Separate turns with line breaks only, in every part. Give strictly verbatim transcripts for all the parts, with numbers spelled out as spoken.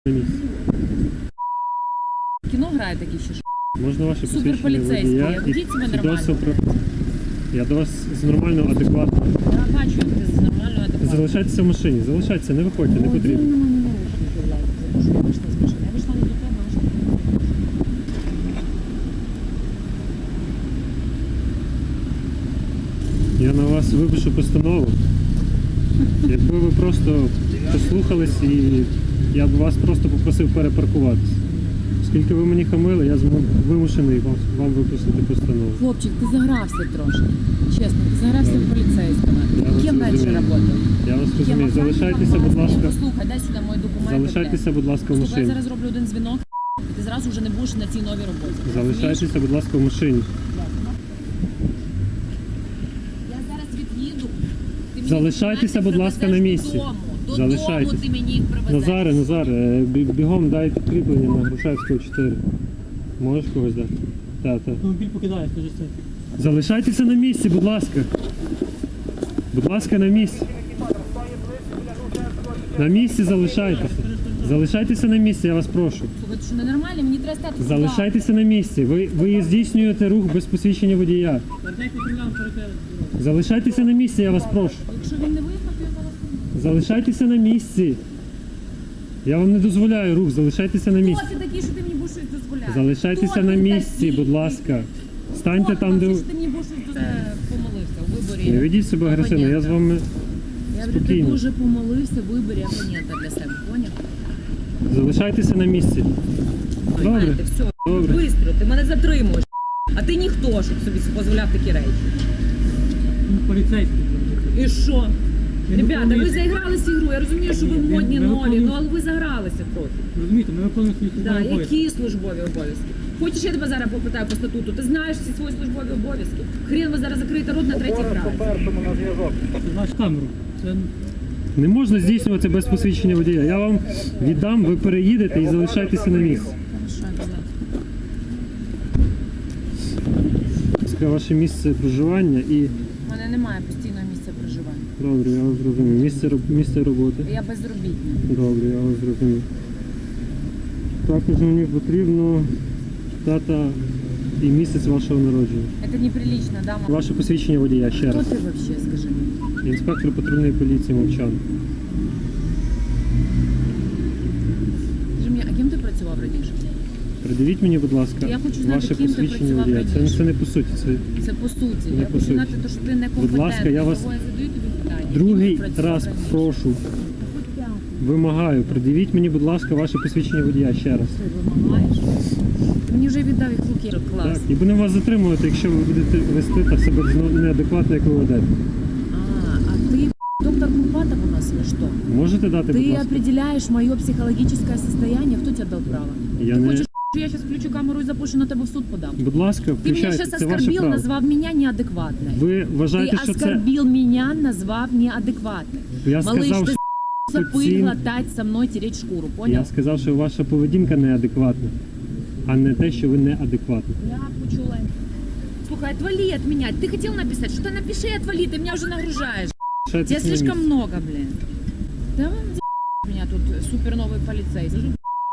на місці.
Кіно грає такі ще ж.
Можна ваше посвідчення
Суперполіцейський.
водія і
Ведіть себе нормально.
свідоцтво про... Я до вас з нормально, адекватно.
Я бачу, як ти з нормально адекватно.
Залишайтеся в машині, залишайтеся, не виходьте, не потрібно.
Я вийшла з машини. Я вийшла не до тебе, а вийшла до тебе.
Я на вас випишу постанову. Якби ви просто послухались і я б вас просто попросив перепаркуватися. Оскільки ви мені хамили, я зму- вимушений вам, вам виписати постанову.
Хлопчик, ти загрався трошки. Чесно, ти загрався в поліцейському.
Я вас
Ким раніше
розумію.
працював?
Я вас
Ким
розумію.
охранником?
Залишайтеся, будь ласка.
Послухай, дай сюди мої документи.
Залишайтеся, будь ласка, в
Слухай, я
машині.
зараз роблю один дзвінок, і ти зразу вже не будеш на цій новій роботі.
Залишайтеся, будь ласка, в машині.
Я зараз від'їду. Ти мені
Залишайтеся,
документи
будь ласка, на
привезеш
місці.
Додому. Додому
Залишайтеся.
ти мені їх привезеш.
Назаре, Назаре, е, бі- бігом дай підкріплення на Грушевського чотири. Можеш когось дати? Так, так.
Автомобіль покидає, скажи це.
Залишайтеся на місці, будь ласка. Будь ласка, на місці. На місці залишайтеся. Залишайтеся на місці, я вас прошу.
Слухай, ти що ненормально? Мені треба стати сюди.
Залишайтеся на місці. Ви, ви здійснюєте рух без посвідчення водія.
Вертайте патрулям перед.
Залишайтеся на місці, я вас прошу.
Якщо він не виїхав, то я зараз не
Залишайтеся на місці. Я вам не дозволяю рух, залишайтеся на місці.
Хто ти такий, що ти мені будеш щось дозволяти?
Залишайтеся
Хто
на
ти
місці,
такий?
будь ласка. Станьте
Хто
там, де
ти,
ви...
що ти мені будеш щось дозволяти? Помолився у виборі.
Не ведіть себе агресивно, я з вами
Я говорю, ти
спокійно.
дуже помолився в виборі опонента для себе, поняв?
Залишайтеся на місці. Добре.
Знаєте, все,
Добре.
бистро, ти мене затримуєш. А ти ніхто, щоб собі дозволяв такі речі.
Поліцейський.
І що?
Я не
Ребята, ви
виконую-
заігралися ігру, я розумію, що ви
Ні,
модні,
ми
нові,
виконуємо-
ну але ви загралися трохи.
Розумієте, ми виконуємо свої
Да,
службові обов'язки.
які службові обов'язки? Хочеш, я тебе зараз попитаю по статуту? Ти знаєш всі свої службові обов'язки? Хрен ви зараз закриєте рот на третій фразі.
Це наш камеру. Це
Не можна здійснювати без посвідчення водія. Я вам віддам, ви переїдете і залишайтеся на місці.
Хорошо, обязательно.
Це ваше місце проживання і...
У мене немає постійного місця проживання.
Добре, я вас зрозумів. Місце, роб- місце роботи.
Я безробітна.
Добре, я вас зрозумів. Також мені потрібно дата і місяць вашого народження.
Это неприлично, да, мама?
Ваше посвідчення водія, ще
Хто
раз.
ти вообще, скажи мені?
Інспектор патрульної поліції Мовчан.
Скажи мені, а ким ти працював раніше?
Придивіть мені, будь ласка,
Я хочу знати,
ваше
ким ти
посвідчення
працював
водія. Це,
раніше.
це не по суті. Це
Це по суті.
Не
я
по
хочу
суті.
знати, то, що ти некомпетентний.
Будь ласка, я вас
Того я задаю тобі питання.
другий
Ким ти працював
раз
раніше?
прошу,
Хоч п'ятий.
вимагаю, придивіть мені, будь ласка, ваше посвідчення водія ще раз.
Ти вимагаєш? Ти мені вже віддав їх в руки. Клас.
Так, і будемо вас затримувати, якщо ви будете вести так себе зно- неадекватно, як ви ведете.
А, а ты доктор Курпатов у нас или что?
Можете дати, будь
Ты
ласка?
определяешь мое психологическое состояние. Кто тебе дал право?
Я
Ты
не-
хочешь, что я сейчас включу камеру и запущу на тебе в суд подам?
Будь ласка,
Ты меня
включайте,
сейчас
це ваше
оскорбил,
право.
назвав меня неадекватной.
Ви вважаєте,
Ты
що це...
оскорбил меня, назвав неадекватной.
Я
Малыш,
сказав,
ты
що
пыль
ці-
глотать со мной, тереть шкуру, понял?
Я сказав, що ваша поведінка неадекватна, а не те, що ви неадекватна.
Я почула. Слухай, отвали от меня. Ты хотел написать? Что-то напиши и отвали, ты меня уже нагружаешь.
Лишайтесь
Тебя
на
слишком
місці.
много, блин. Да вам за*** меня тут супер новый полицейский.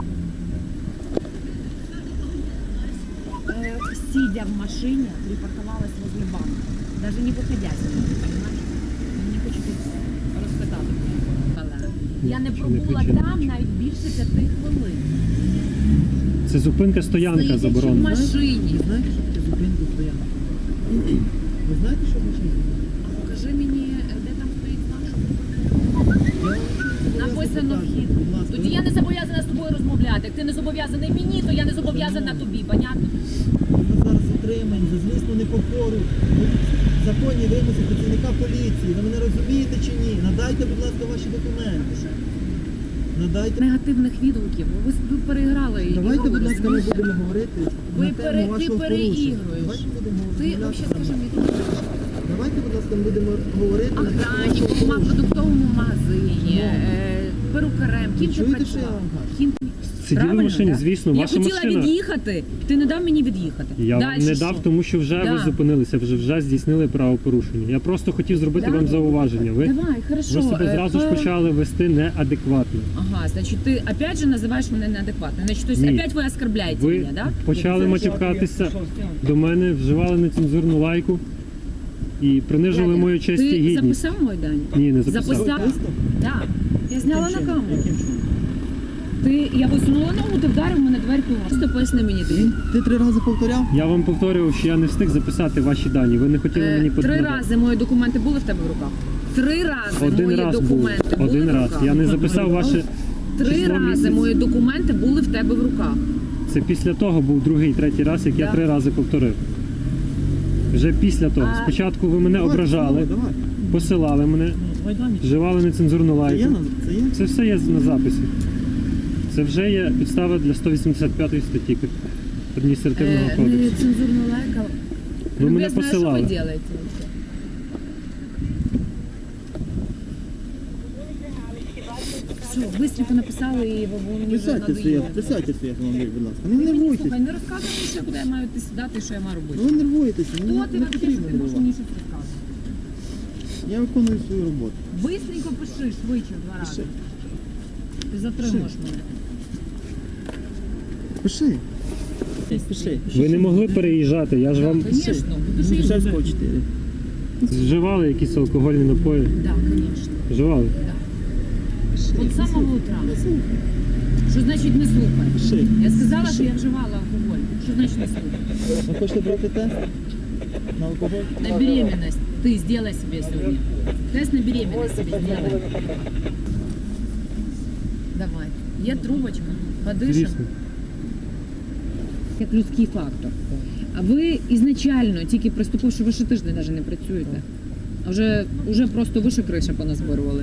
Э, Сидя в машине, припарковалась возле банка. Даже не выходя с нее, понимаешь? Не хочу тут розпитати. Я не
Чи не
пробула
кричи, не
там
кричи.
навіть більше п'яти хвилин.
Це зупинка стоянка
Сидячи в
заборонена.
машині.
ви знаєте, що таке зупинка стоянка? Ви знаєте, що в машині?
А покажи мені, де там стоїть наш. Написано вхід. Тоді я не зобов'язана з тобою розмовляти. Як ти не зобов'язаний мені, то я не зобов'язана тобі, понятно?
Ми зараз затримані за злісну непокору. Законні вимоги працівника поліції. Ви мене розумієте чи ні? Надайте, будь ласка, ваші документи. Надайте.
Негативних відгуків. Ви, ви переіграли і
Давайте, будь ласка, ми
розумієте?
будемо говорити
Ви
на
пере-
тему
ти
вашого
переігруєш.
порушення. Давайте будемо
Ти
розмовляти
взагалі
на
скажи
мене.
мені,
Давайте, будь ласка, ми будемо говорити на тему вашого
охранником, в
порушення.
продуктовому магазині, е, перукарем, ким ти
Чуєте, що я
працював?
вам кажу?
Ким...
Сиділи в
Правильно,
машині,
да?
звісно,
Я
ваша
хотіла
машина.
від'їхати, ти не дав мені від'їхати.
Я вам
Дальше
не
що?
дав, тому що вже
Да.
ви зупинилися, вже вже здійснили правопорушення. Я просто хотів зробити
Да.
вам зауваження. Ви,
Давай, хорошо.
ви себе
е,
зразу ж
по-
почали вести неадекватно.
Ага, значит, ты опять же называешь меня неадекватной. Значит, то есть
Ні.
опять вы оскорбляете
Ви
меня, да?
почали матюкатися до мене, вживали нецензурну лайку і принижували мою честь і
Ти
гідність.
записав мой дань?
Ні, не записав.
Записав? Да. Я зняла на
Яким
камеру.
чином? Яким чином?
Ти, я висунула ногу, ти вдарив мене дверку. Просто поясни мені ти.
Ти три рази повторяв?
Я вам повторював, що я не встиг записати ваші дані. Ви не хотіли мені
Е, Три
подати.
рази мої документи були в тебе в руках. Три рази
Один
мої
раз був.
документи були
Один
в
раз.
руках.
Я не записав ваше
Три
число
рази
місяць.
мої документи були в тебе в руках.
Це після того був другий, третій раз, як я
Да.
три рази повторив. Вже після того.
А-
Спочатку ви мене
Давай,
ображали,
Давай.
посилали мене,
Давай дані.
вживали нецензурну
Це є?
лайку.
на- Це є?
Це все є на записі. Це вже є підстава для сто вісімдесят п'ятої статті адміністративного
Е,
кодексу.
Нецензурну лайка.
Ви мене
Любезно, а
посилали.
Що ви робите? вообще? Все, быстренько написали і ви ви мені вже
Присядьте своє,
надоїли.
присядьте своє автомобіль, будь ласка. Не
Ти мені,
нервуйтесь.
слухай, не розказуй мені ще, куди я маю йти сідати і що я маю робити.
Ну ви нервуєтеся,
Хто
не,
ти
не
вообще, що
потрібно
ти можеш
нервувати.
мені щось розказувати?
Я виконую свою роботу.
Быстренько пиши, швидше в два рази. Ти затримуєш мене.
Пиши. Пиши.
Ви не могли переїжджати, я ж вам
Звісно, будеш їздити.
Шевського чотири.
вживали якісь алкогольні напої.
Так, звісно.
Вживали.
От з самого утра. Що значить не слухай?
Пиши.
Я сказала, що я вживала алкоголь. Що значить не слухай?
Ви хочете брати тест на алкоголь?
На беременность ты сделай себе сегодня. Тест на беременность себе сделай. Давай. Є трубочка, подишем.
Звісно.
Як людський фактор. А ви ізначально, тільки приступивши, ви ще тиждень навіть не працюєте. А вже, вже просто вище криша поназбирували.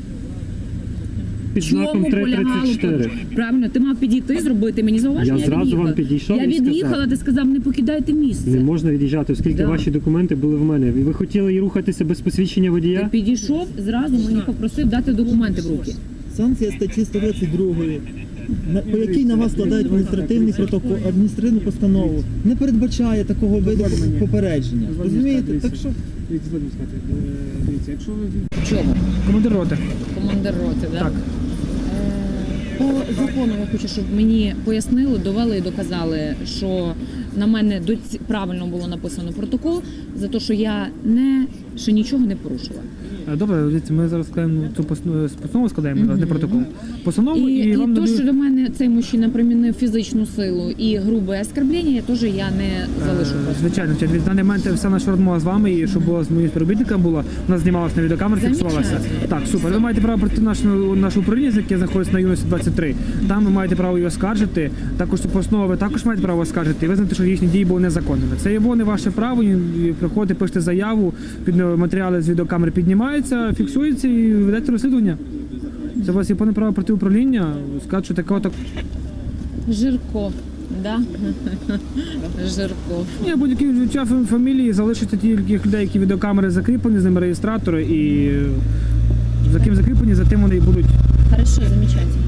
Під знаком три тридцять чотири.
Правильно, ти мав підійти, зробити мені зауваження.
Я зразу
від'їхала.
вам підійшов
Я
і сказав.
від'їхала, ти сказав, не покидайте місце.
Не можна від'їжджати, оскільки
Да.
ваші документи були в мене. І ви хотіли і рухатися без посвідчення
Ти
водія?
підійшов, зразу мені попросив дати документи в руки.
Санкція статті сто двадцять два, на- по якій на вас складають адміністративний протокол, адміністративну постанову, не передбачає такого виду попередження. Розумієте? Так що
Дивіться, згодом сказати. Е, Дивіться, якщо ви
Чого?
командир роти.
Командир роти, да?
Так.
Е, По закону я хочу, щоб мені пояснили, довели і доказали, що на мене доці- правильно було написано протокол за те, що я не ще нічого не порушила.
Е, Добре, дивіться, ми зараз складаємо цю посну- постанову, складаємо, зараз не протокол. Постанову
І,
і,
і,
вам
то,
надають-
що до мене цей мужчина примінив фізичну силу і грубе оскорблення, я теж я не залишу.
Е,
просто.
Звичайно, звичайно. Від даний момент вся наша розмова з вами, і щоб була з моїм співробітником була, вона знімалася на відеокамеру, фіксувалася.
Замечательно.
Так, супер. Ви маєте право пройти наше, наше управління, яке знаходиться на юності двадцять три. Там ви маєте право її оскаржити. Також цю постанову ви також маєте право оскаржити і визнати, що їхні дії були незаконними. Це є не ваше право. і Приходите, пишете заяву, під матеріали з відеокамери піднімаються, фіксуються і ведете розслідування. Це у вас є повне право проти управління, сказати, що такого так.
Жирко, да? Жирко.
Ні, будь-які відчуття фам- фамілії залишаться тільки людей, які відеокамери закріплені, з ними реєстратори, і е, за ким закріплені, за тим вони і будуть.
Хорошо, замечательно.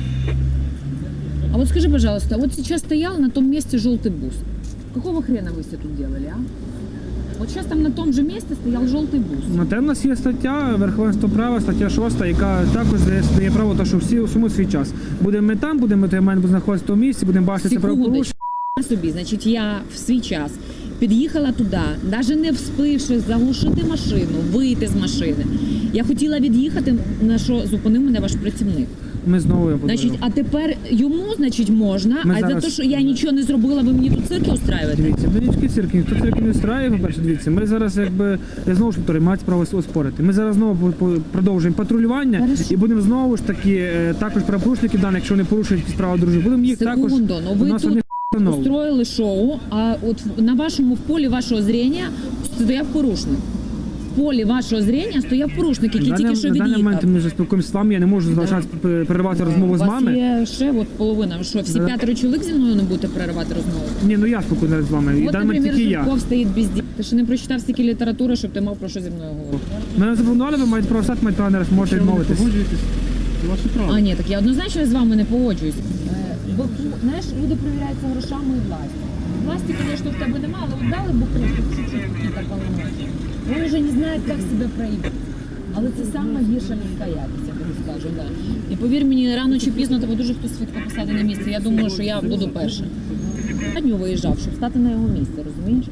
А вот скажи, пожалуйста, вот сейчас стоял на том месте желтый бус. Какого хрена вы все тут делали, а? Вот сейчас там на том же месте стоял желтый бус.
На те в нас є стаття верховенство права, стаття шоста, яка також дає, дає право, то, що всі усьому свій час. Будемо ми там, будемо ми маємо знаходитися в тому місці, будемо бачити це правопорушення.
Секундочку. Собі, значить, я в свій час під'їхала туди, навіть не вспивши заглушити машину, вийти з машини. Я хотіла від'їхати, на що зупинив мене ваш працівник.
Ми знову я буду.
Значить, а тепер йому, значить, можна,
Ми
а
зараз-
за те, що я нічого не зробила, ви мені тут цирки устраюєте?
Дивіться, величкі цирки, ніхто цирки не встрає, по-перше, дивіться, ми зараз якби, я знову ж повторюю, мають право оспорити. Ми зараз знову по- по- продовжуємо патрулювання
Хорошо.
і будемо знову ж таки, е, також правопорушники дані, якщо вони порушують якісь права дружини, будемо їх також,
Секунду, ну
у
ви
нас
тут
одних встановлено.
устроїли шоу, а от в- на вашому в полі вашого зрення стояв порушник. В полі вашого зрення стояв порушник, який
На
тільки
даний-
що
на даний момент
від'їхав.
ми вже спілкуємося з вами, я не можу залишати п- переривати розмову
У
з
вас
вами.
є ще от половина. Ви що, всі
Да.
п'ятеро чоловік зі мною не будете переривати розмову?
Ні, ну я спілкуюся з вами, і в
От,
даний момент
наприклад,
тільки я.
Жирков стоїть без дітей. Ти ще не прочитав стільки літератури, щоб ти мав про що зі мною говорити.
Мене запропонували, ви маєте право стати, маєте право не раз, можете відмовитись.
Погоджуєтесь? Це ваше право.
А ні, так я однозначно з вами не погоджуюсь. Е, бо знаєш, люди перевіряються грошами і властю. Власті, звісно, в тебе немає, але от дали буху, чуть-чуть какие-то полномочия. Вони вже не знають, як себе проявити. Але це саме гірша людська якість, я тобі скажу, да. І повір мені, рано чи пізно тебе дуже хтось швидко посади на місце. Я думаю, що я буду перша. Я нього виїжджав, щоб стати на його місце, розумієш?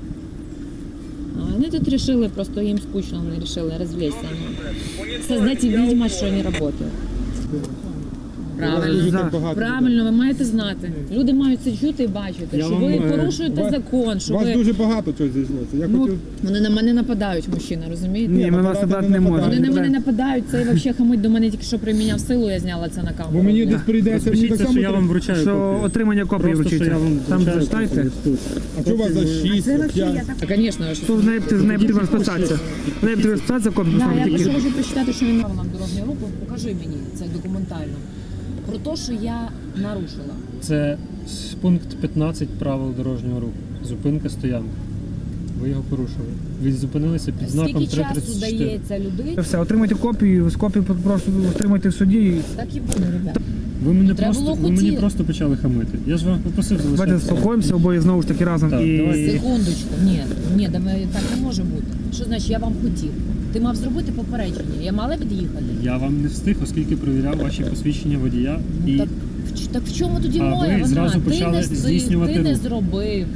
А вони тут вирішили, просто їм скучно, вони вирішили розвлечься. Создать видимость, що вони працюють. Правильно.
За.
Правильно, ви маєте знати. Люди мають це чути і бачити,
Я
що
вам,
ви
е,
порушуєте
вас-
закон, що
У вас
ви...
дуже багато чого зійшлося. Я
Ну,
хотів...
Вони на мене нападають, мужчина, розумієте?
Ні, ми вас набрати не можемо.
Вони на мене нападають, цей взагалі хамить до мене тільки що приміняв силу, я зняла це на камеру.
Бо мені десь прийдеться, мені так
Розпишіться,
само...
що я вам вручаю
Що
копію.
отримання копії
Просто, що
вручиться.
я вам
Там
вручаю
зачитайте.
копію тут.
А що у вас за шість, п'ять?
Та, звісно, я щось...
Тут з нею з нею потрібно розписатися. З нею потрібно розписатися, копію
Да,
поставити
я
тільки.
прошу вже почитати, що він правилам дорожнього руху. Покажи мені це документально. Про те, що я нарушила.
Це пункт п'ятнадцять правил дорожнього руху. Зупинка, стоянка. Ви його порушили. Ви зупинилися під знаком
Скільки
три
часу
тридцять чотири.
дається людині?
Все, отримайте копію, з копію просто отримайте в суді. і
Так і буде, ребята.
Ви мене
Треба
просто,
було
ви мені
хотіти.
просто почали хамити. Я ж вам попросив
Давайте
залишатися.
заспокоїмося обоє знову ж таки разом.
Так,
І
давайте.
Секундочку, ні, ні, давай, так не може бути. Що значить, я вам хотів? Ти мав зробити попередження, я мала від'їхати.
Я вам не встиг, оскільки перевіряв ваші посвідчення водія.
Ну,
І
так, в- так в чому тоді
А
моя
ви
вина?
зразу
Ти
почали
не,
здійснювати
ти не
рух.
зробив.